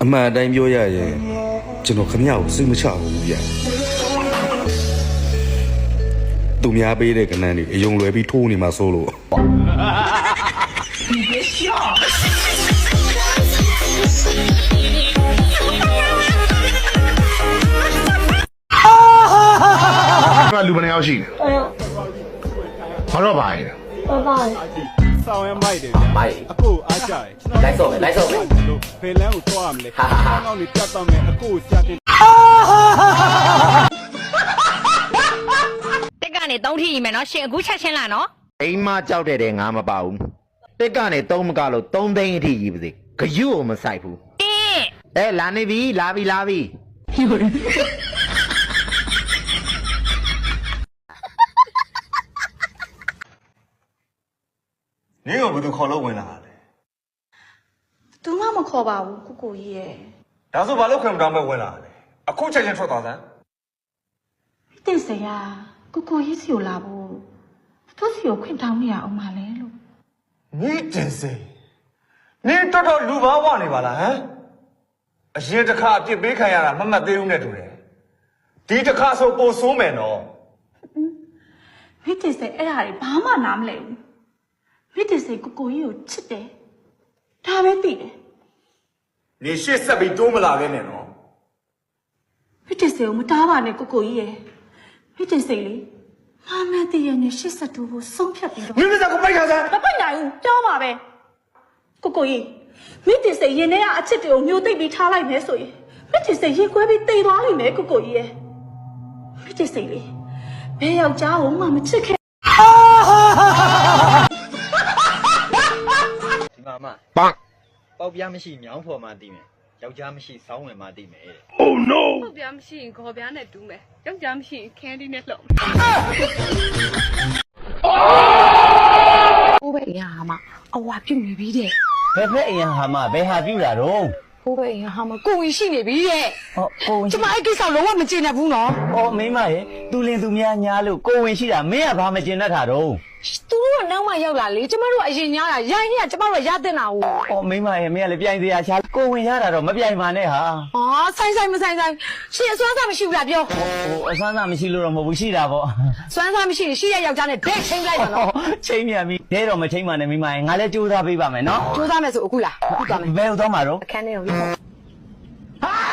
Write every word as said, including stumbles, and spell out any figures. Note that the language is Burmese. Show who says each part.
Speaker 1: အမှန်အတိုင်းပြောရရင်ကျွန်တော်ခမရကိုစိတ်မချဘူးဗျသူများပေးတဲ့ကဏ္ဍတွေအယုံလွယ်ပြီးထိုးနေမှာစိုးလို့
Speaker 2: လူဘယ်နှယောက်ရှိလဲဘာတော့ပါလဲ
Speaker 3: 爸爸，
Speaker 4: ဆောင်းရမိုက်တယ်ဗျာမိုက်အကိုအားကြတယ်လိုက်စော့မယ်လိုက်စော့မယ်ဖေလန်းကိုသွားရမလဲဟာဟာကောင်းနေပြတ်တော့မယ်အကိုစတင်
Speaker 5: တက်ကနေသုံးထီကြီးမယ်နော်ရှင်အခုချက်ချင်းလာနော်
Speaker 6: အိမ်မကြောက်တဲ့တဲ့ငါမပါဘူးတက်ကနေသုံးမကလို့သုံးသိန်းအထိကြီးပါစေဂယုကိုမဆိုင်ဘူး
Speaker 5: တင်း
Speaker 6: အဲလာနေပြီလာပြီလာပြီ
Speaker 7: နင်းကဘယ်သူခေါ်လို့ဝင်လာတာလဲ
Speaker 3: သူမှမခေါ်ပါဘူးကိုကိုကြီးရဲ့
Speaker 7: ဒါဆိုဘာလို့ခွင့်မတောင်းမဲ့ဝင်လာတာလဲအခုချက်ချင်းထွက်သွားစမ်း
Speaker 3: တင်စရာကိုကိုကြီးစီကိုလာဖို့သူစီကိုခွင့်တောင်းနေရအောင်မလဲလို့
Speaker 7: နင်းတင်စိနင်းတော်တော်လူဘာဝနေပါလားဟမ်အရင်တစ်ခါအပြစ်ပေးခံရတာမမှတ်သေးဘူးနဲ့တူတယ်ဒီတစ်ခါဆိုပိုဆိုးမယ်နော်
Speaker 3: မိတင်စိအဲ့ဒါတွေဘာမှနားမလဲဘူးမိတင်စိကိုကိုကြီးကိုချစ်တယ်ဒါပဲသိတယ်
Speaker 7: နေရှေ့ဆက်ပြီးတိုးမလာခဲ့နဲ့နော်
Speaker 3: မိတင်စိကိုမတားပါနဲ့ကိုကိုကြီးရဲ့မိတင်စိလေမမတည့်ရနဲ့ရှစ်ဆက်တူကိုဆုံးဖြတ်ပြီးတော့
Speaker 7: မင်းမစကိုပိုက်ခါစမ်း
Speaker 3: မပိုက်နိုင်ဘူးပြောပါပဲကိုကိုကြီးမိတင်စိရင်ထဲကအချစ်တွေကိုမျိုးသိပ်ပြီးထားလိုက်မယ်ဆိုရင်မိတင်စိရင်ခွဲပြီးတိတ်သွားလိမ့်မယ်ကိုကိုကြီးရဲ့မိတင်စိလေဘယ်ယောက်ျားကိုမှမချစ်ခဲ့
Speaker 8: ဒီမှာမပန်းပေါက်ပြားမရှိမြောင်းဖော်မှတည်မယ်ယောက်ျားမရှိစောင်းဝင်မှတည်မယ်တဲ့
Speaker 9: Oh no ပေါက်ပြားမရှိရင်ခေါ်ပြားနဲ့တူးမယ်ယောက်ျားမရှိရင်ခန်းဒီနဲ့လှုပ်
Speaker 10: ဘိုးပဲအရင်ဟာမအဝါပြုတ်နေပြီတဲ့
Speaker 6: ဘယ်ဖက်အရင်ဟာမဘယ်ဟာပြူတာတော့
Speaker 10: ဘိုးပဲအရင်ဟာမကိုဝင်ရှိနေပြီတဲ့
Speaker 6: ဟောကိုဝင်
Speaker 10: ကျမအဲ့ကိစ္စလုံးဝမကျေနပ်ဘူးနော်
Speaker 6: ဩမိမရဲ့သူလင်သူများညားလို့ကိုဝင်ရှိတာမင်းကဘာမကျင်တတ်တာတော့
Speaker 10: သူတို့ကနောက်မှရောက်လာလေကျမတို့ကအရင်ညားတာရိုင်းနေကကျမတို့ကရတဲ့နာကို
Speaker 6: ဩမိမရဲ့မင်းကလည်းပြိုင်စရာချာကိုဝင်ရတာတော့မပြိုင်ပါနဲ့ဟာ
Speaker 10: ဟာဆိုင်ဆိုင်မဆိုင်ဆိုင်ရှင်အစွမ်းစားမရှိဘူးလားပြော
Speaker 6: ဟိုအစွမ်းစားမရှိလို့တော့မဟုတ်ဘူးရှိတာပေါ့
Speaker 10: စွမ်းစားမရှိရင်ရှိရယောက်ျားနဲ့ဒိတ်ချင်းလိုက်ပါနော်
Speaker 6: ချင်းမြန်ပြီဒဲတော့မချင်းပါနဲ့မိမရဲ့ငါလည်းကြိုးစားပေးပါမယ်နော်
Speaker 10: ကြိုးစားမယ်ဆိုအခုလားအခုသွားမယ်
Speaker 6: ဘယ်ဟုတ်သွားမှာတော့
Speaker 10: အခန်းထဲကိုရောက်
Speaker 6: ဟာ